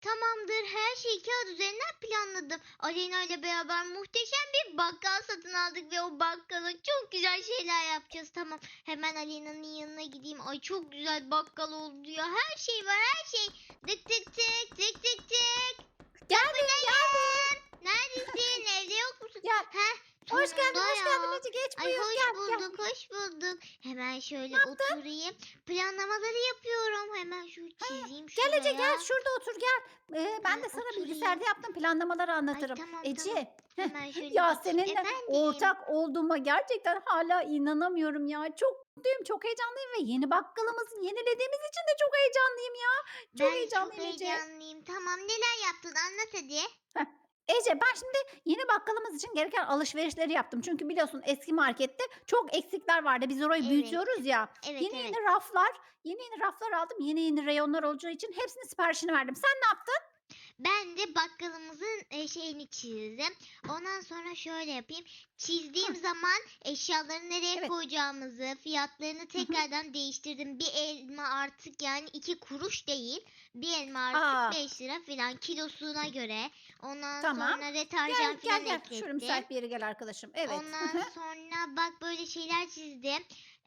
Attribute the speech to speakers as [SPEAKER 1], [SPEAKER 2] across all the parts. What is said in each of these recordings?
[SPEAKER 1] Tamamdır. Her şeyi kağıt üzerinden planladım. Aleyna ile beraber muhteşem bir bakkal satın aldık ve o bakkala çok güzel şeyler yapacağız. Tamam. Hemen Aleyna'nın yanına gideyim. Ay çok güzel bakkal oldu ya. Her şey var, her şey. Tık tık tık tık tık tık.
[SPEAKER 2] Geldim geldim.
[SPEAKER 1] Neredesin? Evde yok musun?
[SPEAKER 2] Gel.
[SPEAKER 1] Heh,
[SPEAKER 2] Hoş geldin
[SPEAKER 1] sonunda
[SPEAKER 2] hoş geldin
[SPEAKER 1] ya.
[SPEAKER 2] Ece geç
[SPEAKER 1] Ay
[SPEAKER 2] buyur
[SPEAKER 1] hoş
[SPEAKER 2] gel gel.
[SPEAKER 1] bulduk, hoş bulduk. Hemen
[SPEAKER 2] Ne
[SPEAKER 1] şöyle
[SPEAKER 2] yaptın?
[SPEAKER 1] oturayım. Planlamaları yapıyorum. Hemen şu
[SPEAKER 2] Ha,
[SPEAKER 1] çizeyim
[SPEAKER 2] gel Ece gel
[SPEAKER 1] şuraya.
[SPEAKER 2] şurada otur gel. Ben de sana
[SPEAKER 1] Oturayım.
[SPEAKER 2] bilgisayarda yaptığım planlamaları
[SPEAKER 1] Ay
[SPEAKER 2] anlatırım.
[SPEAKER 1] tamam tamam.
[SPEAKER 2] Ece
[SPEAKER 1] Hemen şöyle
[SPEAKER 2] ya
[SPEAKER 1] geçeyim.
[SPEAKER 2] seninle
[SPEAKER 1] Efendim.
[SPEAKER 2] ortak olduğuma gerçekten hala inanamıyorum ya. Çok mutluyum çok heyecanlıyım ve yeni bakkalımızı yenilediğimiz için de çok heyecanlıyım ya. Çok
[SPEAKER 1] Ben de çok
[SPEAKER 2] heyecanlıyım Ece.
[SPEAKER 1] heyecanlıyım. Tamam neler yaptın anlat hadi.
[SPEAKER 2] Heh. Ece ben şimdi yeni bakkalımız için gereken alışverişleri yaptım. Çünkü biliyorsun eski markette çok eksikler vardı. Biz orayı
[SPEAKER 1] Evet.
[SPEAKER 2] büyütüyoruz ya.
[SPEAKER 1] Evet
[SPEAKER 2] Yeni
[SPEAKER 1] evet.
[SPEAKER 2] yeni raflar, yeni yeni raflar aldım. Yeni yeni reyonlar olacağı için hepsinin siparişini verdim. Sen ne yaptın?
[SPEAKER 1] Ben de bakkalımızın şeyini çizdim. Ondan sonra şöyle yapayım.
[SPEAKER 2] Hı,
[SPEAKER 1] Çizdiğim zaman eşyaları nereye
[SPEAKER 2] evet.
[SPEAKER 1] koyacağımızı, fiyatlarını
[SPEAKER 2] Hı hı.
[SPEAKER 1] tekrardan değiştirdim. Bir elma artık yani 2 kuruş değil. Bir elma artık
[SPEAKER 2] Aa,
[SPEAKER 1] 5 lira falan kilosuna göre. Ondan
[SPEAKER 2] tamam.
[SPEAKER 1] sonra
[SPEAKER 2] Gel
[SPEAKER 1] deterjan
[SPEAKER 2] gel
[SPEAKER 1] falan
[SPEAKER 2] gel. Şöyle
[SPEAKER 1] eklettim.
[SPEAKER 2] müsait bir yere gel arkadaşım. Evet. Hı
[SPEAKER 1] Ondan
[SPEAKER 2] hı.
[SPEAKER 1] sonra bak böyle şeyler çizdim.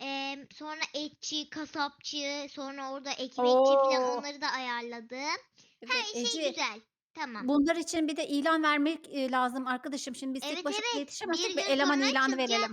[SPEAKER 1] Sonra etçi, kasapçı, sonra orada ekmekçi falan
[SPEAKER 2] Oo.
[SPEAKER 1] onları da ayarladım.
[SPEAKER 2] Evet
[SPEAKER 1] Her şey
[SPEAKER 2] Ece.
[SPEAKER 1] güzel. Tamam.
[SPEAKER 2] Bunlar için bir de ilan vermek lazım arkadaşım. Şimdi biz tek
[SPEAKER 1] Evet
[SPEAKER 2] başımıza
[SPEAKER 1] evet. Bir
[SPEAKER 2] yetişemezsek bir
[SPEAKER 1] gün
[SPEAKER 2] eleman
[SPEAKER 1] sonra
[SPEAKER 2] ilanı
[SPEAKER 1] açılacak.
[SPEAKER 2] verelim.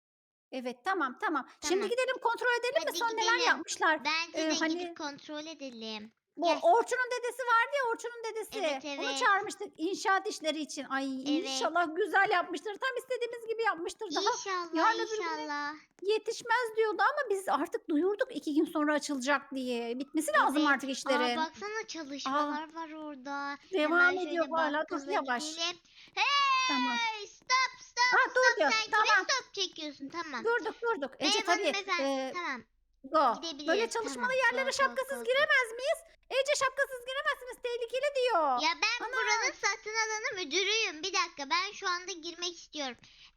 [SPEAKER 2] Evet tamam tamam. Şimdi
[SPEAKER 1] Tamam.
[SPEAKER 2] gidelim kontrol edelim mi
[SPEAKER 1] Hadi
[SPEAKER 2] son neler
[SPEAKER 1] gidelim.
[SPEAKER 2] yapmışlar?
[SPEAKER 1] Bence de gidip
[SPEAKER 2] Hani
[SPEAKER 1] kontrol edelim.
[SPEAKER 2] bu
[SPEAKER 1] Gel.
[SPEAKER 2] Orçun'un dedesi vardı ya Orçun'un
[SPEAKER 1] Evet
[SPEAKER 2] dedesi. Onu
[SPEAKER 1] evet.
[SPEAKER 2] çağırmıştık inşaat işleri için. Ay
[SPEAKER 1] Evet.
[SPEAKER 2] inşallah güzel yapmıştır. Tam istediğimiz gibi yapmıştır. Daha
[SPEAKER 1] İnşallah
[SPEAKER 2] yarın öbür güne
[SPEAKER 1] inşallah.
[SPEAKER 2] yetişmez diyordu ama biz artık duyurduk 2 gün sonra açılacak diye. Bitmesi lazım
[SPEAKER 1] Evet.
[SPEAKER 2] artık
[SPEAKER 1] Aa
[SPEAKER 2] işlerin.
[SPEAKER 1] baksana
[SPEAKER 2] Aa,
[SPEAKER 1] çalışmalar var orada.
[SPEAKER 2] devam
[SPEAKER 1] Hemen
[SPEAKER 2] ediyor
[SPEAKER 1] şöyle
[SPEAKER 2] hala. Dur
[SPEAKER 1] bakkala
[SPEAKER 2] yavaş.
[SPEAKER 1] gidelim.
[SPEAKER 2] Tamam.
[SPEAKER 1] Hey! Stop stop
[SPEAKER 2] Dur
[SPEAKER 1] stop.
[SPEAKER 2] diyor.
[SPEAKER 1] Sen kime
[SPEAKER 2] Tamam.
[SPEAKER 1] stop çekiyorsun? Tamam.
[SPEAKER 2] Durduk durduk. Ece
[SPEAKER 1] Merhaba
[SPEAKER 2] tabii.
[SPEAKER 1] hanımefendi. Tamam.
[SPEAKER 2] Go. Böyle
[SPEAKER 1] Gidebiliriz.
[SPEAKER 2] çalışmalı
[SPEAKER 1] Tamam.
[SPEAKER 2] yerlere
[SPEAKER 1] Go go
[SPEAKER 2] şapkasız
[SPEAKER 1] go go.
[SPEAKER 2] giremez miyiz? Ece şapkasız giremezsiniz. Tehlikeli diyor.
[SPEAKER 1] Ya ben
[SPEAKER 2] Ana.
[SPEAKER 1] buranın satın alanı müdürüyüm. Bir dakika ben şu anda girmek istiyorum.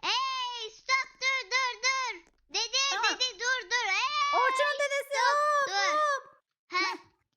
[SPEAKER 1] Hey stop dur dur dur. Dede
[SPEAKER 2] Tamam.
[SPEAKER 1] dede dur dur.
[SPEAKER 2] Orçun'un
[SPEAKER 1] Hey
[SPEAKER 2] dedesi.
[SPEAKER 1] stop
[SPEAKER 2] Hop
[SPEAKER 1] dur.
[SPEAKER 2] hop.
[SPEAKER 1] Ha.
[SPEAKER 2] Heh.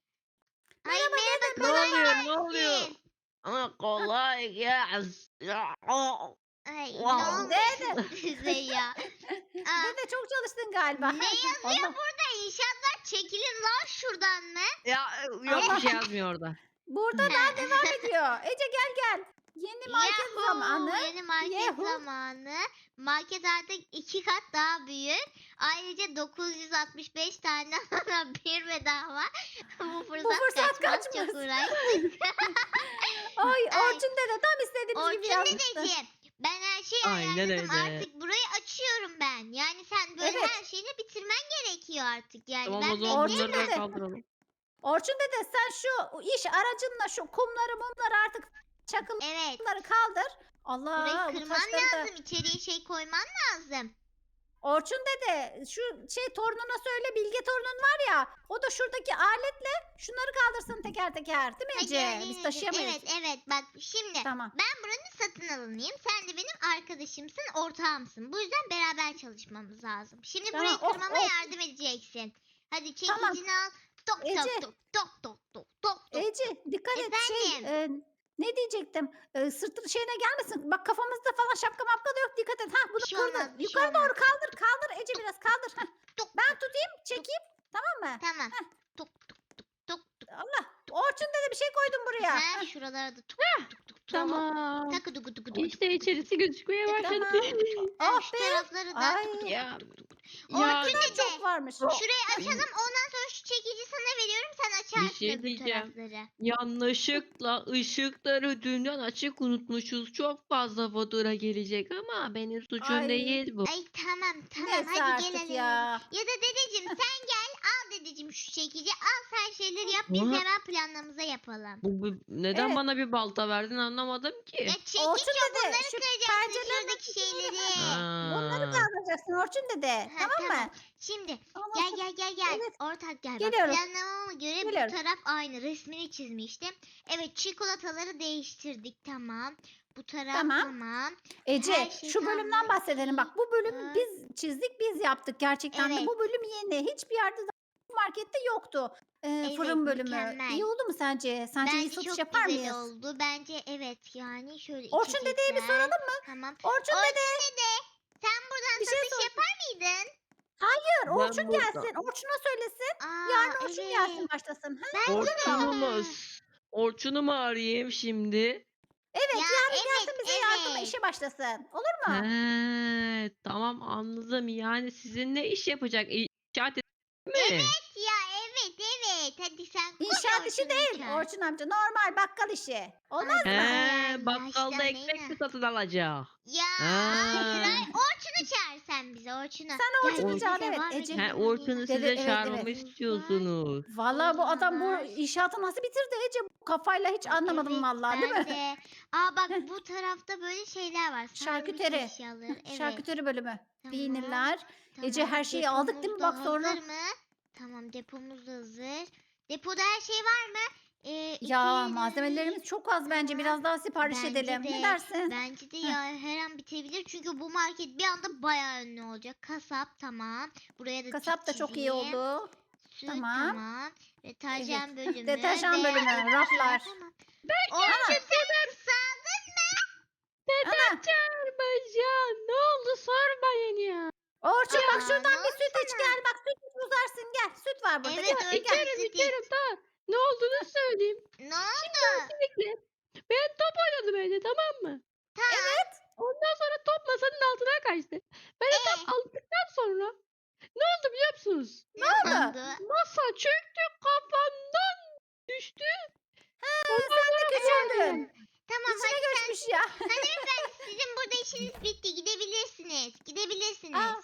[SPEAKER 1] Ay
[SPEAKER 2] Merhaba
[SPEAKER 1] merhaba
[SPEAKER 2] dede.
[SPEAKER 3] Ne
[SPEAKER 2] Merhaba.
[SPEAKER 1] kolay
[SPEAKER 3] oluyor? Ne oluyor?
[SPEAKER 1] gelsin.
[SPEAKER 3] Ama
[SPEAKER 2] Hah.
[SPEAKER 3] kolay gelsin. Ya, oh,
[SPEAKER 1] Ay ne
[SPEAKER 3] wow.
[SPEAKER 2] Dede.
[SPEAKER 1] oluyor size ya? Aa,
[SPEAKER 2] Dede çok çalıştın galiba.
[SPEAKER 1] ne yazıyor
[SPEAKER 2] Allah.
[SPEAKER 1] burada? İnşaatlar çekilin lan şuradan mı?
[SPEAKER 3] Ya yok bir
[SPEAKER 2] Allah.
[SPEAKER 3] şey yazmıyor orada.
[SPEAKER 2] Burada daha devam ediyor. Ece gel gel. Yeni market zamanı.
[SPEAKER 1] Yahoo! Yeni market
[SPEAKER 2] Yehu.
[SPEAKER 1] zamanı. Market artık 2 kat daha büyük. Ayrıca 965 tane alana bir bedava. Bu
[SPEAKER 2] Bu
[SPEAKER 1] fırsat
[SPEAKER 2] fırsat
[SPEAKER 1] kaçmaz. Çok
[SPEAKER 2] kaçmasın.
[SPEAKER 1] uğraştık.
[SPEAKER 2] Ay
[SPEAKER 1] Ay,
[SPEAKER 2] Orçun dede tam istediğimiz gibi
[SPEAKER 1] Orçun
[SPEAKER 2] yazmıştı.
[SPEAKER 1] dedeciğim. Ben her şeyi
[SPEAKER 3] Aynen
[SPEAKER 1] ayarladım.
[SPEAKER 3] öyle.
[SPEAKER 1] Artık burayı açıyorum ben. Yani sen böyle
[SPEAKER 2] Evet.
[SPEAKER 1] her şeyini bitirmen gerekiyor artık. Yani
[SPEAKER 3] Tamam o
[SPEAKER 1] ben
[SPEAKER 3] zaman
[SPEAKER 2] Orçun
[SPEAKER 3] bunları da
[SPEAKER 1] bekleyemem.
[SPEAKER 2] dede.
[SPEAKER 3] kaldıralım.
[SPEAKER 2] Orçun dede sen şu iş aracınla şu kumları mumları artık
[SPEAKER 1] Evet.
[SPEAKER 2] çakılları kaldır.
[SPEAKER 1] Burayı
[SPEAKER 2] Allah bu
[SPEAKER 1] kırman
[SPEAKER 2] taşları da.
[SPEAKER 1] lazım. İçeriye şey koyman lazım.
[SPEAKER 2] Orçun dede şu torununa söyle Bilge torunun var ya o da şuradaki aletle şunları kaldırsın teker teker değil mi
[SPEAKER 1] Hadi
[SPEAKER 2] Ece? Biz
[SPEAKER 1] Aleyna'cığım.
[SPEAKER 2] taşıyamayız.
[SPEAKER 1] Evet evet bak şimdi
[SPEAKER 2] Tamam.
[SPEAKER 1] ben buranın satın alanıyım. Sen de benim arkadaşımsın, ortağımsın. Bu yüzden beraber çalışmamız lazım. Şimdi burayı
[SPEAKER 2] Tamam of
[SPEAKER 1] kırmama
[SPEAKER 2] of.
[SPEAKER 1] yardım edeceksin. Hadi
[SPEAKER 2] Tamam.
[SPEAKER 1] çekicini al. Tok tok
[SPEAKER 2] Ece
[SPEAKER 1] tok tok tok tok tok tok.
[SPEAKER 2] Ece dikkat et
[SPEAKER 1] Efendim.
[SPEAKER 2] ne diyecektim? Sırtın şeyine gelmesin. Bak kafamızda falan şapka mapka da yok dikkat et. Ha
[SPEAKER 1] Bir
[SPEAKER 2] bunu
[SPEAKER 1] şey olmaz
[SPEAKER 2] kırdı.
[SPEAKER 1] bir şey
[SPEAKER 2] Yukarı
[SPEAKER 1] olmaz.
[SPEAKER 2] doğru kaldır kaldır Ece biraz kaldır. Heh.
[SPEAKER 1] Tok
[SPEAKER 2] Ben
[SPEAKER 1] tok
[SPEAKER 2] tutayım
[SPEAKER 1] tok.
[SPEAKER 2] çekeyim tamam mı?
[SPEAKER 1] Tamam.
[SPEAKER 2] Heh.
[SPEAKER 1] Tok tok tok tok tok.
[SPEAKER 2] Allah. Orçun dedi bir şey koydum buraya.
[SPEAKER 1] Ha
[SPEAKER 2] Heh.
[SPEAKER 1] şuralara da tok tok tok tok tok.
[SPEAKER 3] Tamam.
[SPEAKER 1] Takı dugu dugu dugu
[SPEAKER 3] İşte
[SPEAKER 1] dugu dugu.
[SPEAKER 3] içerisi gözükmeye
[SPEAKER 1] Tık tık
[SPEAKER 3] başladı.
[SPEAKER 1] tık
[SPEAKER 2] Tamam.
[SPEAKER 1] tık tık. Ha,
[SPEAKER 2] Oh
[SPEAKER 1] şu
[SPEAKER 2] be.
[SPEAKER 1] tarafları da tık
[SPEAKER 2] Ay
[SPEAKER 1] tık
[SPEAKER 3] Ya
[SPEAKER 1] tık tık tık.
[SPEAKER 2] ne
[SPEAKER 3] ya
[SPEAKER 1] Orçun
[SPEAKER 2] kadar
[SPEAKER 1] dede.
[SPEAKER 2] çok varmış.
[SPEAKER 1] Şurayı açalım ondan sonra şu çekici sana veriyorum sen
[SPEAKER 3] bir
[SPEAKER 1] açarsın
[SPEAKER 3] şey
[SPEAKER 1] öbür
[SPEAKER 3] diyeceğim.
[SPEAKER 1] tarafları.
[SPEAKER 3] Yanlışlıkla ışıkları dünden açık unutmuşuz. Çok fazla fatura gelecek ama benim suçum
[SPEAKER 2] Ay
[SPEAKER 3] değil bu.
[SPEAKER 1] Ay tamam tamam
[SPEAKER 2] neyse
[SPEAKER 1] hadi gel
[SPEAKER 2] artık
[SPEAKER 1] Aleyna'cığım.
[SPEAKER 2] ya.
[SPEAKER 1] Ya da dedeciğim sen gel al dedeciğim şu çekici al sen şeyleri yap biz
[SPEAKER 3] Ama
[SPEAKER 1] hemen planlamıza yapalım.
[SPEAKER 3] neden
[SPEAKER 2] Evet.
[SPEAKER 3] bana bir balta verdin anlamadım
[SPEAKER 1] Ya
[SPEAKER 3] ki.
[SPEAKER 1] çekiç
[SPEAKER 2] Orçun
[SPEAKER 1] o
[SPEAKER 2] dede
[SPEAKER 1] bunları
[SPEAKER 2] şu
[SPEAKER 1] kıracaksın
[SPEAKER 2] pencerelerin
[SPEAKER 1] şuradaki
[SPEAKER 2] açısını
[SPEAKER 1] şeyleri.
[SPEAKER 2] bunları
[SPEAKER 3] Ha.
[SPEAKER 2] kaldıracaksın Orçun dede.
[SPEAKER 1] Ha
[SPEAKER 2] Tamam
[SPEAKER 1] tamam.
[SPEAKER 2] mı?
[SPEAKER 1] Şimdi
[SPEAKER 2] Ondan
[SPEAKER 1] gel
[SPEAKER 2] sonra
[SPEAKER 1] gel gel gel.
[SPEAKER 2] evet
[SPEAKER 1] Ortak gel bak
[SPEAKER 2] geliyorum.
[SPEAKER 1] planlamama göre bu
[SPEAKER 2] Geliyorum.
[SPEAKER 1] taraf aynı resmini çizmiştim. Evet çikolataları değiştirdik tamam. Bu taraf
[SPEAKER 2] Tamam.
[SPEAKER 1] tamam.
[SPEAKER 2] Ece
[SPEAKER 1] Her şey
[SPEAKER 2] şu
[SPEAKER 1] tam
[SPEAKER 2] bölümden bahsedelim. Bak bu bölümü
[SPEAKER 1] 4.
[SPEAKER 2] biz çizdik biz yaptık gerçekten de.
[SPEAKER 1] Evet.
[SPEAKER 2] Bu bölüm yeni. Hiçbir yerde daha bu markette yoktu.
[SPEAKER 1] Evet,
[SPEAKER 2] Fırın bölümü.
[SPEAKER 1] mükemmel.
[SPEAKER 2] İyi oldu mu sence? Sence iyi
[SPEAKER 1] Bence
[SPEAKER 2] satış
[SPEAKER 1] çok
[SPEAKER 2] yapar
[SPEAKER 1] güzel
[SPEAKER 2] mıyız?
[SPEAKER 1] oldu. Bence evet yani şöyle
[SPEAKER 2] Orçun dedeye bir soralım
[SPEAKER 1] içecekler.
[SPEAKER 2] mı?
[SPEAKER 1] Tamam.
[SPEAKER 2] Orçun dede
[SPEAKER 1] Orçun dede sen buradan
[SPEAKER 2] bir şey
[SPEAKER 1] satış
[SPEAKER 2] sor.
[SPEAKER 1] yapar mıydın?
[SPEAKER 2] Hayır, Orçun
[SPEAKER 3] Ben burada.
[SPEAKER 2] gelsin. Orçun'a söylesin.
[SPEAKER 1] Aa
[SPEAKER 2] Yarın Orçun gelsin
[SPEAKER 1] evet.
[SPEAKER 2] başlasın. Ha?
[SPEAKER 1] Bence
[SPEAKER 2] Olur mu?
[SPEAKER 3] Orçun'u mu?
[SPEAKER 1] de.
[SPEAKER 3] Orçun'u mu arayayım şimdi?
[SPEAKER 2] Evet,
[SPEAKER 1] Ya
[SPEAKER 2] yarın
[SPEAKER 1] evet
[SPEAKER 2] gelsin bize yardıma
[SPEAKER 1] evet.
[SPEAKER 2] işe başlasın. Olur mu?
[SPEAKER 3] He, tamam anladım. Yani sizinle iş yapacak. İnşaat mi?
[SPEAKER 1] Evet ya evet evet. Hadi sen koş
[SPEAKER 2] İnşaat işi
[SPEAKER 1] Orçun'u
[SPEAKER 2] değil
[SPEAKER 1] çağır.
[SPEAKER 2] Orçun amca. Normal bakkal işi. Olmaz
[SPEAKER 1] Hadi
[SPEAKER 2] mı?
[SPEAKER 1] bakalım
[SPEAKER 3] Bakkalda ekmek mi
[SPEAKER 1] başlamayın.
[SPEAKER 3] satın alacak?
[SPEAKER 1] Ya hayır
[SPEAKER 3] Ha.
[SPEAKER 1] hayır. Orçun'u çağır sen bize Orçun'u.
[SPEAKER 2] Sen
[SPEAKER 1] Gel
[SPEAKER 2] Orçun'u
[SPEAKER 1] bize
[SPEAKER 2] çağır, evet
[SPEAKER 1] devam
[SPEAKER 2] Ece.
[SPEAKER 3] He,
[SPEAKER 1] edelim
[SPEAKER 3] Orçun'u
[SPEAKER 1] Aleyna.
[SPEAKER 3] size
[SPEAKER 2] Evet,
[SPEAKER 3] çağırmamı
[SPEAKER 1] Depolarımız var.
[SPEAKER 3] istiyorsunuz.
[SPEAKER 2] Valla bu adam bu
[SPEAKER 1] Elmalar.
[SPEAKER 2] inşaatı nasıl bitirdi Ece? Bu kafayla hiç anlamadım
[SPEAKER 1] Evet
[SPEAKER 2] vallahi, değil
[SPEAKER 1] ben
[SPEAKER 2] mi?
[SPEAKER 1] de. Aa bak bu tarafta böyle şeyler var. Sarnıç
[SPEAKER 2] Şarküteri.
[SPEAKER 1] eşyaları. Evet.
[SPEAKER 2] Şarküteri bölümü.
[SPEAKER 1] Tamam.
[SPEAKER 2] Peynirler. Ece
[SPEAKER 1] Tamam.
[SPEAKER 2] her şeyi aldık değil
[SPEAKER 1] Depomuz
[SPEAKER 2] mi?
[SPEAKER 1] da
[SPEAKER 2] Bak sonra.
[SPEAKER 1] hazır mı? Tamam depomuz da hazır. Depoda her şey var mı?
[SPEAKER 2] Ya
[SPEAKER 1] 2,
[SPEAKER 2] malzemelerimiz çok az bence.
[SPEAKER 1] tamam.
[SPEAKER 2] Biraz daha sipariş
[SPEAKER 1] Bence
[SPEAKER 2] edelim. Ne
[SPEAKER 1] de.
[SPEAKER 2] dersin?
[SPEAKER 1] Bence de
[SPEAKER 2] Heh.
[SPEAKER 1] ya her an bitebilir. Çünkü bu market bir anda bayağı ünlü olacak. Kasap tamam. Buraya da
[SPEAKER 2] Kasap da
[SPEAKER 1] tik
[SPEAKER 2] çok iyi
[SPEAKER 1] çizeyim.
[SPEAKER 2] oldu.
[SPEAKER 1] Süt
[SPEAKER 2] Tamam.
[SPEAKER 1] tamam. Deterjan
[SPEAKER 2] Evet.
[SPEAKER 1] bölümü
[SPEAKER 2] Deterjan
[SPEAKER 1] ve
[SPEAKER 2] bölümü, raflar.
[SPEAKER 1] tamam.
[SPEAKER 3] Ben
[SPEAKER 2] Ana,
[SPEAKER 1] Orçun sen kısaldın mı?
[SPEAKER 2] ana.
[SPEAKER 3] çağırmayacağım. Ne oldu sormayın ya.
[SPEAKER 2] Orçun bak
[SPEAKER 1] Aa, ne
[SPEAKER 2] şuradan bir
[SPEAKER 1] oldu
[SPEAKER 2] süt iç
[SPEAKER 1] sana?
[SPEAKER 2] gel. Bak süt iç uzarsın gel. Süt var burada.
[SPEAKER 1] Evet
[SPEAKER 2] Gel,
[SPEAKER 1] Orçun
[SPEAKER 2] gel.
[SPEAKER 1] süt iç.
[SPEAKER 3] İçerim tamam. Ne olduğunu söyleyeyim.
[SPEAKER 1] Ne oldu?
[SPEAKER 3] Öncelikle ben top oynadım evde tamam mı?
[SPEAKER 1] Tamam.
[SPEAKER 3] Ondan sonra top masanın altına kaçtı. Ben de tam aldıktan sonra ne oldu biliyor musunuz?
[SPEAKER 1] Ne
[SPEAKER 2] oldu?
[SPEAKER 1] oldu?
[SPEAKER 3] Masa çöktü kafamdan düştü.
[SPEAKER 2] Sen de küçüldün.
[SPEAKER 1] Tamam
[SPEAKER 2] İçine
[SPEAKER 1] hadi sen
[SPEAKER 2] göçmüş ya.
[SPEAKER 1] hanımefendi sizin burada işiniz bitti. Gidebilirsiniz. Gidebilirsiniz.
[SPEAKER 2] Aa,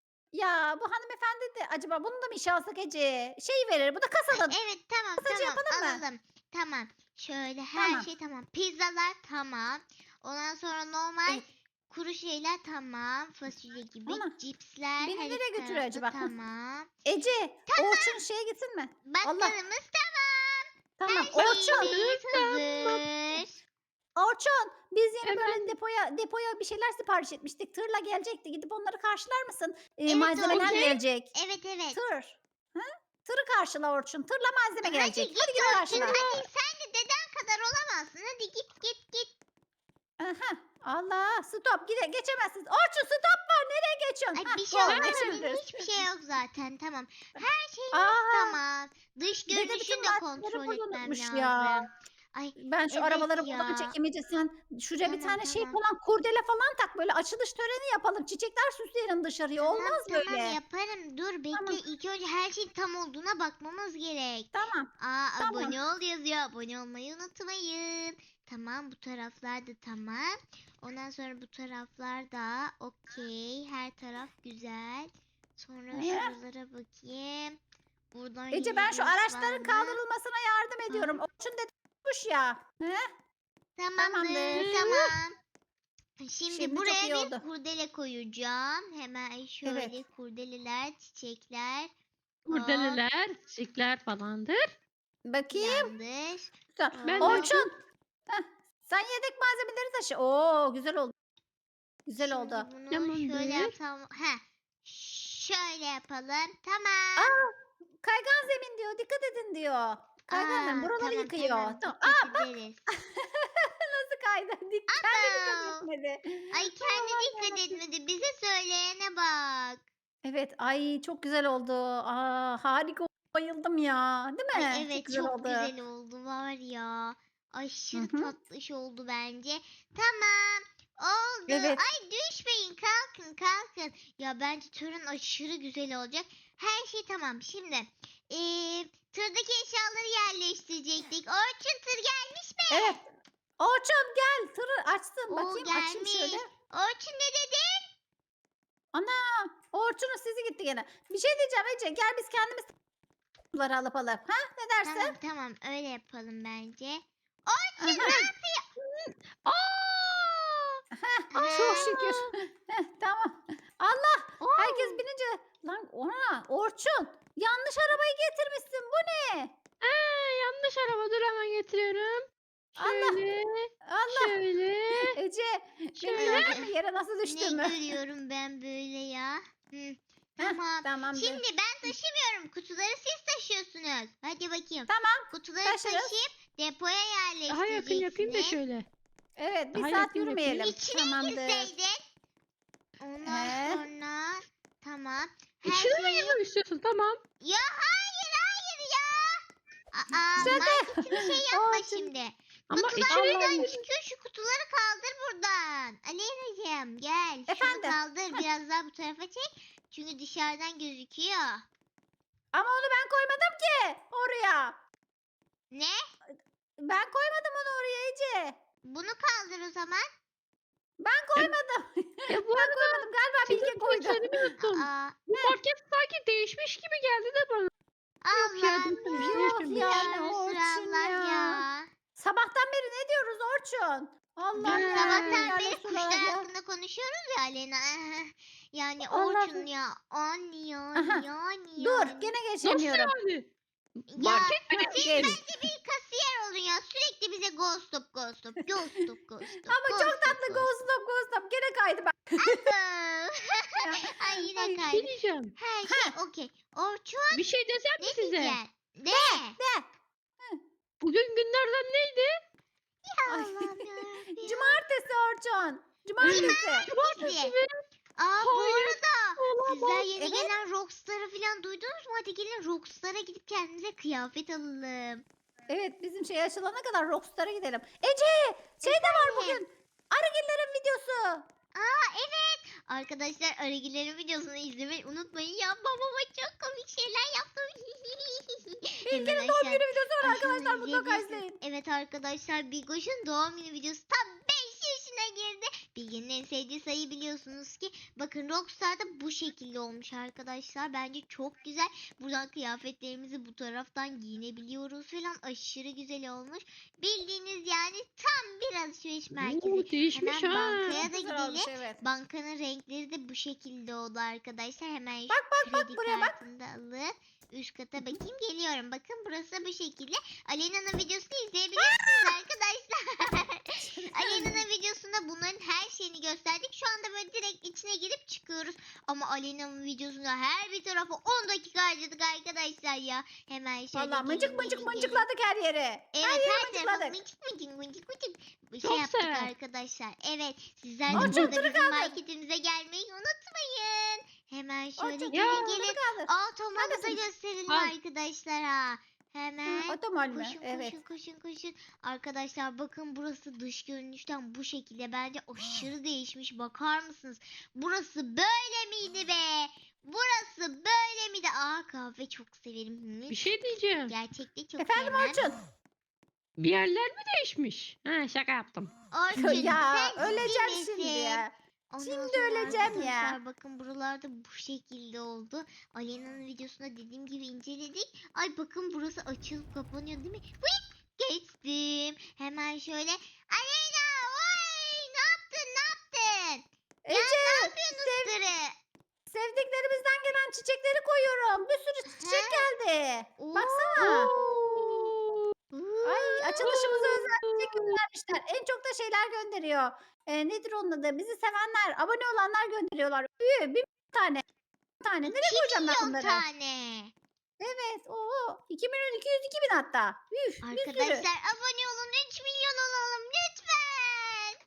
[SPEAKER 2] ya bu hanımefendi de acaba bunu da mı işe alsak Ece? Şey verir. Bu da kasada.
[SPEAKER 1] Evet tamam
[SPEAKER 2] Masajı
[SPEAKER 1] tamam
[SPEAKER 2] yapalım mı?
[SPEAKER 1] alalım. Tamam. Şöyle her
[SPEAKER 2] Tamam.
[SPEAKER 1] şey tamam. Pizzalar tamam. Ondan sonra normal
[SPEAKER 2] Evet.
[SPEAKER 1] kuru şeyler tamam. Fasulye gibi.
[SPEAKER 2] Ana,
[SPEAKER 1] Cipsler
[SPEAKER 2] beni
[SPEAKER 1] her
[SPEAKER 2] nereye
[SPEAKER 1] iki
[SPEAKER 2] götürüyor
[SPEAKER 1] tarafta
[SPEAKER 2] acaba?
[SPEAKER 1] tamam.
[SPEAKER 2] Ece, Orçun şeye gitsin mi? Allah.
[SPEAKER 1] Bakkalımız tamam.
[SPEAKER 2] Tamam.
[SPEAKER 1] Her
[SPEAKER 2] Orçun.
[SPEAKER 1] şeyimiz hazır.
[SPEAKER 2] Orçun, biz yeni böyle
[SPEAKER 3] Efendim?
[SPEAKER 2] depoya bir şeyler sipariş etmiştik. Tırla gelecekti. Gidip onları karşılar mısın?
[SPEAKER 1] Evet,
[SPEAKER 2] Malzemeler
[SPEAKER 3] okey.
[SPEAKER 2] gelecek.
[SPEAKER 1] Evet evet.
[SPEAKER 2] Tır. Hı? Tırı karşıla Orçun. Tırla malzeme
[SPEAKER 1] Hadi
[SPEAKER 2] gelecek.
[SPEAKER 1] git
[SPEAKER 2] Hadi git
[SPEAKER 1] Orçun.
[SPEAKER 2] karşıla.
[SPEAKER 1] Hadi sen de deden kadar olamazsın. Hadi git git git.
[SPEAKER 2] Aha. Allah, stop. Geçemezsiniz. Orçun stop var. Nereye geçiyorsun?
[SPEAKER 1] Ay
[SPEAKER 2] Hah,
[SPEAKER 1] bir şey
[SPEAKER 2] go,
[SPEAKER 1] olmaz.
[SPEAKER 2] geçebiliriz.
[SPEAKER 1] Bizim hiçbir şey yok zaten. Tamam. Her şeyimiz
[SPEAKER 2] Aa,
[SPEAKER 1] tamam. Dış
[SPEAKER 2] dede
[SPEAKER 1] görünüşünü
[SPEAKER 2] bütün
[SPEAKER 1] de
[SPEAKER 2] malzemeleri
[SPEAKER 1] kontrol
[SPEAKER 2] burada
[SPEAKER 1] etmem
[SPEAKER 2] unutmuş
[SPEAKER 1] lazım.
[SPEAKER 2] ya.
[SPEAKER 1] Ay
[SPEAKER 2] Ben şu
[SPEAKER 1] evet
[SPEAKER 2] arabaları buradan
[SPEAKER 1] ya.
[SPEAKER 2] çekemeyeceğim. Sen şuraya bir
[SPEAKER 1] Tamam
[SPEAKER 2] tane şey
[SPEAKER 1] tamam.
[SPEAKER 2] falan kurdele falan tak. Böyle açılış töreni yapalım. Çiçekler süsleyelim dışarıya.
[SPEAKER 1] Tamam
[SPEAKER 2] Olmaz
[SPEAKER 1] tamam
[SPEAKER 2] böyle.
[SPEAKER 1] yaparım. Dur bekle.
[SPEAKER 2] Tamam.
[SPEAKER 1] İlk önce her şeyin tam olduğuna bakmamız gerek.
[SPEAKER 2] Tamam.
[SPEAKER 1] Aa
[SPEAKER 2] Tamam.
[SPEAKER 1] abone ol yazıyor. Abone olmayı unutmayın. Tamam bu taraflar da tamam. Ondan sonra bu taraflar da okey. Her taraf güzel. Sonra şuralara bakayım. Buradan
[SPEAKER 2] Ece ben şu
[SPEAKER 1] yürüyüş var
[SPEAKER 2] araçların
[SPEAKER 1] mı?
[SPEAKER 2] kaldırılmasına yardım ediyorum. Orçun dedi tutmuş ya. He?
[SPEAKER 1] Tamamdır.
[SPEAKER 2] Tamamdır.
[SPEAKER 1] Tamam. Şimdi
[SPEAKER 2] Şimdi çok
[SPEAKER 1] buraya
[SPEAKER 2] iyi
[SPEAKER 1] bir
[SPEAKER 2] oldu.
[SPEAKER 1] kurdele koyacağım. Hemen şöyle kurdeleler, çiçekler. Hop,
[SPEAKER 3] Kurdeleler, çiçekler falandır.
[SPEAKER 2] Bakayım.
[SPEAKER 1] yanlış.
[SPEAKER 3] Ben de-
[SPEAKER 2] Orçun. Heh, sen yedek malzemeleri taşı. Oo güzel oldu. Güzel oldu.
[SPEAKER 1] Şimdi bunu
[SPEAKER 3] Tamamdır.
[SPEAKER 1] şöyle yapsam. Şöyle yapalım. Tamam.
[SPEAKER 2] Aa, kaygan zemin diyor. Dikkat edin diyor. Kaygan zemin. Buraları
[SPEAKER 1] tamam,
[SPEAKER 2] yıkıyor.
[SPEAKER 1] tamam,
[SPEAKER 2] Tamam.
[SPEAKER 1] dikkat ederiz.
[SPEAKER 2] Nasıl kaydı? Kendi dikkat
[SPEAKER 1] Aa,
[SPEAKER 2] etmedi.
[SPEAKER 1] Ay kendi dikkat etmedi. Bize söyleyene bak.
[SPEAKER 2] Evet. Ay çok güzel oldu. Aa, harika. Bayıldım ya. Değil mi?
[SPEAKER 1] Ay evet
[SPEAKER 2] güzel
[SPEAKER 1] çok
[SPEAKER 2] oldu.
[SPEAKER 1] güzel oldu var ya. Aşırı
[SPEAKER 2] Hı hı.
[SPEAKER 1] tatlış oldu bence. Tamam. Oldu.
[SPEAKER 2] Evet.
[SPEAKER 1] Ay düşmeyin kalkın kalkın. Ya bence törün aşırı güzel olacak. Her şey tamam. Şimdi tırdaki eşyaları yerleştirecektik. Orçun tır gelmiş mi?
[SPEAKER 2] Evet. Orçun gel. Tırı açsın.
[SPEAKER 1] Oo,
[SPEAKER 2] Bakayım açayım
[SPEAKER 1] gelmiş.
[SPEAKER 2] şöyle.
[SPEAKER 1] Orçun ne dedin?
[SPEAKER 2] Ana. Orçun'un sesi gitti gene. Bir şey diyeceğim Ece. Gel biz kendimiz bunları alıp alalım. Ha? Ne dersin?
[SPEAKER 1] Tamam tamam öyle yapalım bence.
[SPEAKER 2] Aha.
[SPEAKER 3] Aa!
[SPEAKER 2] Çok şükür. Heh, tamam. Allah.
[SPEAKER 1] Oo.
[SPEAKER 2] Herkes binince. Lan ona. Orçun. Yanlış arabayı getirmişsin. Bu ne?
[SPEAKER 3] Yanlış araba dur hemen getiriyorum.
[SPEAKER 2] Allah.
[SPEAKER 3] Şöyle,
[SPEAKER 2] Allah.
[SPEAKER 3] şöyle.
[SPEAKER 2] Ece. Beni
[SPEAKER 3] Şöyle.
[SPEAKER 2] gördün mü yere nasıl
[SPEAKER 1] Ne
[SPEAKER 2] düştüğümü?
[SPEAKER 1] görüyorum ben böyle ya? Hı. Tamam.
[SPEAKER 2] Tamamdır.
[SPEAKER 1] Şimdi ben taşımıyorum. Kutuları siz taşıyorsunuz. Hadi bakayım.
[SPEAKER 2] Tamam.
[SPEAKER 1] Kutuları
[SPEAKER 2] taşırız.
[SPEAKER 1] taşıyıp depoya
[SPEAKER 3] Daha yakın yapayım da
[SPEAKER 1] yerleştireceksiniz.
[SPEAKER 3] şöyle.
[SPEAKER 2] Evet bir
[SPEAKER 3] Daha
[SPEAKER 2] saat
[SPEAKER 3] yakın yapayım.
[SPEAKER 2] yürümeyelim.
[SPEAKER 1] İçine
[SPEAKER 2] Tamamdır.
[SPEAKER 1] girseydin. Ondan
[SPEAKER 2] He.
[SPEAKER 1] sonra tamam. Her
[SPEAKER 3] İçine mi
[SPEAKER 1] şeyi...
[SPEAKER 3] girmek istiyorsun? Tamam.
[SPEAKER 1] Ya hayır ya. Aa,
[SPEAKER 2] Şaka.
[SPEAKER 1] marketini şey yapma
[SPEAKER 2] Orçun.
[SPEAKER 1] şimdi.
[SPEAKER 3] Ama
[SPEAKER 1] Kutular
[SPEAKER 3] içine
[SPEAKER 1] buradan
[SPEAKER 3] girmek.
[SPEAKER 1] çıkıyor. Şu kutuları kaldır buradan. Aleyna'cığım gel.
[SPEAKER 2] Efendim?
[SPEAKER 1] Şunu kaldır. Biraz daha bu tarafa çek. Çünkü dışarıdan gözüküyor.
[SPEAKER 2] Ama onu ben koymadım ki oraya.
[SPEAKER 1] Ne?
[SPEAKER 2] Ben koymadım onu oraya Ece.
[SPEAKER 1] Bunu kaldır o zaman.
[SPEAKER 2] Ben koymadım.
[SPEAKER 3] Ya bu
[SPEAKER 2] Ben koymadım. Galiba Bilge
[SPEAKER 3] Sizin
[SPEAKER 2] koydu.
[SPEAKER 3] söylediğimi unuttum.
[SPEAKER 1] Aa,
[SPEAKER 3] Bu market sanki değişmiş gibi geldi de bana. Yok ya,
[SPEAKER 1] Allah'ım
[SPEAKER 3] değişmemiş,
[SPEAKER 1] ya.
[SPEAKER 3] değişmemiş.
[SPEAKER 2] Yani
[SPEAKER 1] Ara
[SPEAKER 2] Orçun
[SPEAKER 1] sıralar
[SPEAKER 2] ya.
[SPEAKER 1] ya.
[SPEAKER 2] Sabahtan beri ne diyoruz Orçun? Allah'ım
[SPEAKER 3] Ya.
[SPEAKER 2] ya.
[SPEAKER 1] Sabahtan
[SPEAKER 2] yani
[SPEAKER 1] beri
[SPEAKER 2] sular
[SPEAKER 1] kuşlar
[SPEAKER 2] ya.
[SPEAKER 1] hakkında konuşuyoruz ya Aleyna. Yani
[SPEAKER 2] Allah'ım.
[SPEAKER 1] Orçun ya. Anne
[SPEAKER 2] Aha.
[SPEAKER 1] yani.
[SPEAKER 2] Dur gene
[SPEAKER 3] Nasıl
[SPEAKER 2] geçemiyorum.
[SPEAKER 3] yani?
[SPEAKER 1] Ya
[SPEAKER 3] Market mi
[SPEAKER 2] Heh,
[SPEAKER 1] siz
[SPEAKER 2] geç.
[SPEAKER 1] bence bir kasiyer olun ya. Sürekli bize ghost stop ghost stop. Ghost stop ghost stop.
[SPEAKER 2] Ama
[SPEAKER 1] ghost
[SPEAKER 2] çok
[SPEAKER 1] stop,
[SPEAKER 2] tatlı
[SPEAKER 1] ghost
[SPEAKER 2] Ghost Stop. Gene kaydı bak.
[SPEAKER 1] stop.
[SPEAKER 2] Ya.
[SPEAKER 1] Ay yine
[SPEAKER 2] Ay,
[SPEAKER 3] Bir şey
[SPEAKER 1] kaydı.
[SPEAKER 3] diyeceğim.
[SPEAKER 1] Her şey okey. Orçun
[SPEAKER 3] Bir şey desem mi
[SPEAKER 1] ne
[SPEAKER 3] size?
[SPEAKER 1] diyeceksin? De.
[SPEAKER 2] De.
[SPEAKER 3] Bugün günlerden neydi?
[SPEAKER 2] Ay.
[SPEAKER 1] Allah'ım yarabbim.
[SPEAKER 2] Cumartesi Orçun. Cumartesi.
[SPEAKER 3] Cumartesi mi?
[SPEAKER 1] Aa bu
[SPEAKER 3] Hayır,
[SPEAKER 1] arada sizler
[SPEAKER 3] olamaz.
[SPEAKER 1] yeni
[SPEAKER 2] Evet.
[SPEAKER 1] gelen Rockstar'ı falan duydunuz mu? Hadi gelin Rockstar'a gidip kendimize kıyafet alalım.
[SPEAKER 2] Evet bizim şey açılana kadar Rockstar'a gidelim. Ece şey de var
[SPEAKER 1] Efendim?
[SPEAKER 2] bugün. Arıgillerin videosu.
[SPEAKER 1] Aa evet. Arkadaşlar Arıgilerin videosunu izlemeyi unutmayın ya. Babama çok komik şeyler yaptım.
[SPEAKER 2] Bilge'nin doğum günü videosu var arkadaşlar mutlaka
[SPEAKER 1] izleyebilirsiniz.
[SPEAKER 2] izleyin.
[SPEAKER 1] Evet arkadaşlar Bilgoş'un doğum günü videosu tam 5 yaşına girdi. Bilge'nin en sevdiği sayı biliyorsunuz ki. Bakın Rockstar'da bu şekilde olmuş arkadaşlar. Bence çok güzel. Buradan kıyafetlerimizi bu taraftan giyinebiliyoruz falan. Aşırı güzel olmuş. Bildiğiniz yani tam bir alışveriş merkezi.
[SPEAKER 3] Oo, değişmiş
[SPEAKER 1] Hemen
[SPEAKER 3] ha.
[SPEAKER 1] bankaya da
[SPEAKER 2] Güzel olmuş,
[SPEAKER 1] gidelim.
[SPEAKER 2] evet.
[SPEAKER 1] Bankanın renkleri de bu şekilde oldu arkadaşlar. Hemen şu
[SPEAKER 2] Bak,
[SPEAKER 1] kredi
[SPEAKER 2] buraya bak.
[SPEAKER 1] kartını da alıp üst kata bakayım geliyorum. Bakın burası bu şekilde. Aleyna'nın videosunu izleyebilirsiniz arkadaşlar. Aleyna'nın videosunda bunların her şeyini gösterdik. Şu anda böyle direkt içine girip çıkıyoruz. Ama Aleyna'nın videosunda her bir tarafa 10 dakika harcadık arkadaşlar ya. Hemen şöyle
[SPEAKER 2] Valla mıncık
[SPEAKER 1] gelin,
[SPEAKER 2] mıncık
[SPEAKER 1] gelin, gelin.
[SPEAKER 2] mıncıkladık her yere.
[SPEAKER 1] Evet
[SPEAKER 2] her yeri
[SPEAKER 1] her tarafa
[SPEAKER 2] mıncıkladık.
[SPEAKER 1] mıncık bir şey
[SPEAKER 3] Çok
[SPEAKER 1] yaptık
[SPEAKER 3] sever.
[SPEAKER 1] arkadaşlar. Evet sizler de
[SPEAKER 2] Orçun,
[SPEAKER 1] burada
[SPEAKER 2] tırı
[SPEAKER 1] bizim
[SPEAKER 2] kaldır.
[SPEAKER 1] marketimize gelmeyi unutmayın. Hemen şöyle
[SPEAKER 2] Orçun,
[SPEAKER 1] gelin
[SPEAKER 3] ya.
[SPEAKER 1] gelin.
[SPEAKER 2] kaldır.
[SPEAKER 1] Automalı da
[SPEAKER 2] Neredesiniz?
[SPEAKER 1] gösterelim
[SPEAKER 3] Al.
[SPEAKER 1] arkadaşlar ha. Hemen.
[SPEAKER 2] Otomal mi?
[SPEAKER 1] Koşun
[SPEAKER 2] Evet.
[SPEAKER 1] koşun. Arkadaşlar bakın burası dış görünüşten bu şekilde. Bence aşırı değişmiş. Bakar mısınız? Burası böyle miydi be? Burası böyle miydi? Aa kahve çok severim.
[SPEAKER 3] Bir şey diyeceğim.
[SPEAKER 1] Gerçekte çok
[SPEAKER 2] Efendim
[SPEAKER 1] sevmem.
[SPEAKER 2] Orçun.
[SPEAKER 3] Bir yerler mi değişmiş? Ha, şaka yaptım.
[SPEAKER 1] Orçun
[SPEAKER 2] ya
[SPEAKER 1] sen
[SPEAKER 2] öleceğim
[SPEAKER 1] ciddi
[SPEAKER 2] şimdi
[SPEAKER 1] misin?
[SPEAKER 2] ya.
[SPEAKER 1] Ondan
[SPEAKER 2] Şimdi
[SPEAKER 1] sonra
[SPEAKER 2] öleceğim ya.
[SPEAKER 1] arkadaşlar bakın buralarda bu şekilde oldu. Aleyna'nın videosunda dediğim gibi inceledik. Ay bakın burası açılıp kapanıyor değil mi? Hıy! Geçtim. Hemen şöyle. Aleyna oy ne yaptın?
[SPEAKER 2] Ece
[SPEAKER 1] Ne yapıyorsunuz tırı?
[SPEAKER 2] sevdiklerimizden gelen çiçekleri koyuyorum. Bir sürü çiçek geldi.
[SPEAKER 1] Oo.
[SPEAKER 2] Baksana.
[SPEAKER 3] Oo.
[SPEAKER 2] Ay açılışımıza özel çiçek göndermişler. En çok da şeyler gönderiyor. Nedir onun adı? Bizi sevenler, abone olanlar gönderiyorlar. Bir tane. Bir tane. Nereye
[SPEAKER 1] 2
[SPEAKER 2] koyacağım ben
[SPEAKER 1] milyon
[SPEAKER 2] bunları?
[SPEAKER 1] tane.
[SPEAKER 2] Evet. Oo. 2 milyon 202 bin hatta. Üf, bir sürü.
[SPEAKER 1] Arkadaşlar abone olun 3 milyon olalım lütfen.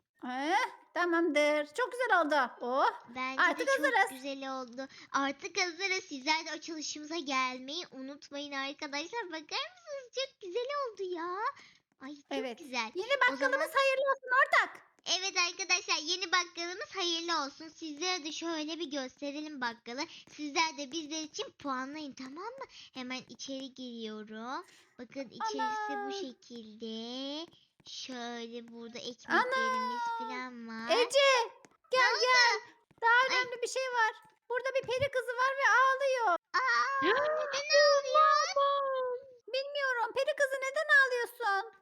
[SPEAKER 2] Tamamdır. Çok güzel oldu. Oh.
[SPEAKER 1] Bence
[SPEAKER 2] Artık
[SPEAKER 1] de çok
[SPEAKER 2] hazırız.
[SPEAKER 1] güzel oldu. Artık hazırız. Sizler de açılışımıza gelmeyi unutmayın arkadaşlar. Bakar mısınız? Çok güzel oldu ya. Ay çok
[SPEAKER 2] Evet.
[SPEAKER 1] güzel.
[SPEAKER 2] Yeni
[SPEAKER 1] O
[SPEAKER 2] bakkalımız
[SPEAKER 1] zaman-
[SPEAKER 2] hayırlı olsun ortak.
[SPEAKER 1] Evet arkadaşlar yeni bakkalımız hayırlı olsun. Sizlere de şöyle bir gösterelim bakkalı. Sizler de bizler için puanlayın tamam mı? Hemen içeri giriyorum. Bakın içerisi
[SPEAKER 2] Ana.
[SPEAKER 1] bu şekilde. Şöyle burada ekmeklerimiz falan var.
[SPEAKER 2] Ece gel gel. Daha
[SPEAKER 1] Ay.
[SPEAKER 2] önemli bir şey var. Burada bir peri kızı var ve ağlıyor.
[SPEAKER 1] Aa,
[SPEAKER 3] Ya,
[SPEAKER 1] neden ağlıyor?
[SPEAKER 3] Aman.
[SPEAKER 2] Bilmiyorum. Peri kızı neden ağlıyorsun?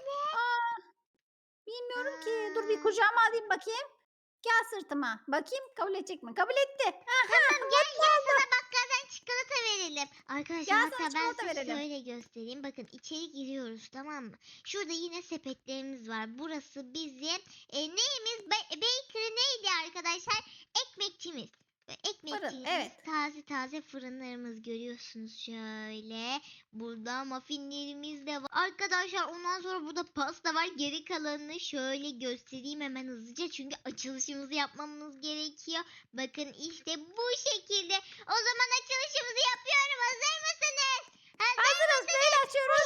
[SPEAKER 2] Bilmiyorum ki. Dur bir kucağıma alayım bakayım. Gel sırtıma. Bakayım kabul edecek mi? Kabul etti.
[SPEAKER 1] Tamam gel sana bakkaldan çikolata verelim. Arkadaşlar
[SPEAKER 2] Gel
[SPEAKER 1] hatta
[SPEAKER 2] sana
[SPEAKER 1] ben
[SPEAKER 2] çikolata
[SPEAKER 1] size
[SPEAKER 2] verelim.
[SPEAKER 1] şöyle göstereyim. Bakın içeri giriyoruz tamam mı? Şurada yine sepetlerimiz var. Burası bizim neyimiz? Bakery neydi arkadaşlar? Ekmekçimiz. Ekmekçiğimiz,
[SPEAKER 2] evet.
[SPEAKER 1] taze taze fırınlarımız görüyorsunuz şöyle. Burada muffinlerimiz de var. Arkadaşlar ondan sonra burada pasta var. Geri kalanını şöyle göstereyim hemen hızlıca. Çünkü açılışımızı yapmamız gerekiyor. Bakın işte bu şekilde. O zaman açılışımızı yapıyorum. Hazır mısınız?
[SPEAKER 2] Hazırız. Neyle açıyoruz?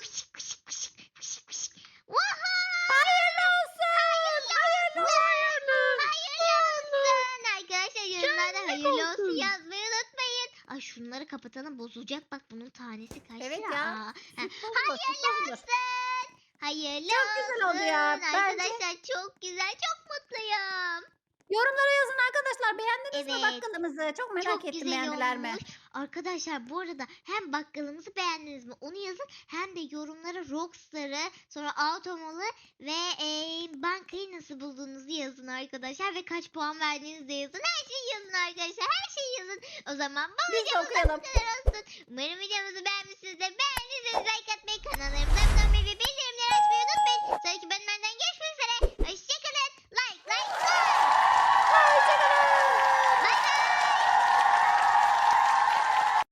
[SPEAKER 1] Vaha!
[SPEAKER 2] Hayırlı olsun. Hayırlı olsun.
[SPEAKER 1] Hayırlı olsun. Arkadaşlar yorumlarda hayırlı olsun
[SPEAKER 3] olsun.
[SPEAKER 1] yazmayı unutmayın. Ay şunları kapatalım, bozulacak bak, bunun tanesi kaç
[SPEAKER 2] Evet
[SPEAKER 1] lira?
[SPEAKER 2] ya.
[SPEAKER 1] Aa,
[SPEAKER 2] Süt bozulur, süt
[SPEAKER 1] hayırlı
[SPEAKER 2] bozulur.
[SPEAKER 1] olsun. Hayırlı
[SPEAKER 2] Çok
[SPEAKER 1] olsun.
[SPEAKER 2] güzel oldu ya. Bence-
[SPEAKER 1] Arkadaşlar çok güzel, çok mutluyum.
[SPEAKER 2] Yorumlara yazın arkadaşlar. Beğendiniz mi
[SPEAKER 1] Evet.
[SPEAKER 2] bakkalımızı? Çok merak
[SPEAKER 1] Çok
[SPEAKER 2] ettim
[SPEAKER 1] güzel
[SPEAKER 2] beğendiler mi?
[SPEAKER 1] olmuş. Arkadaşlar bu arada hem bakkalımızı beğendiniz mi onu yazın, hem de yorumlara Rockstar'ı, sonra Automall'ı ve bankayı nasıl bulduğunuzu yazın arkadaşlar, ve kaç puan verdiğinizi de yazın. Her şeyi yazın arkadaşlar, her şeyi yazın. O zaman bu
[SPEAKER 2] Biz de
[SPEAKER 1] videomuz
[SPEAKER 2] okuyalım.
[SPEAKER 1] bu kadar olsun. Umarım videomuzu beğenmişsinizdir. Beğendiyseniz like atmayı, kanallarımıza abone olmayı ve bildirimleri açmayı unutmayın. Sonraki bölümlerden görüşmek üzere. Hoşçakalın. Like.
[SPEAKER 2] Hoşçakalın.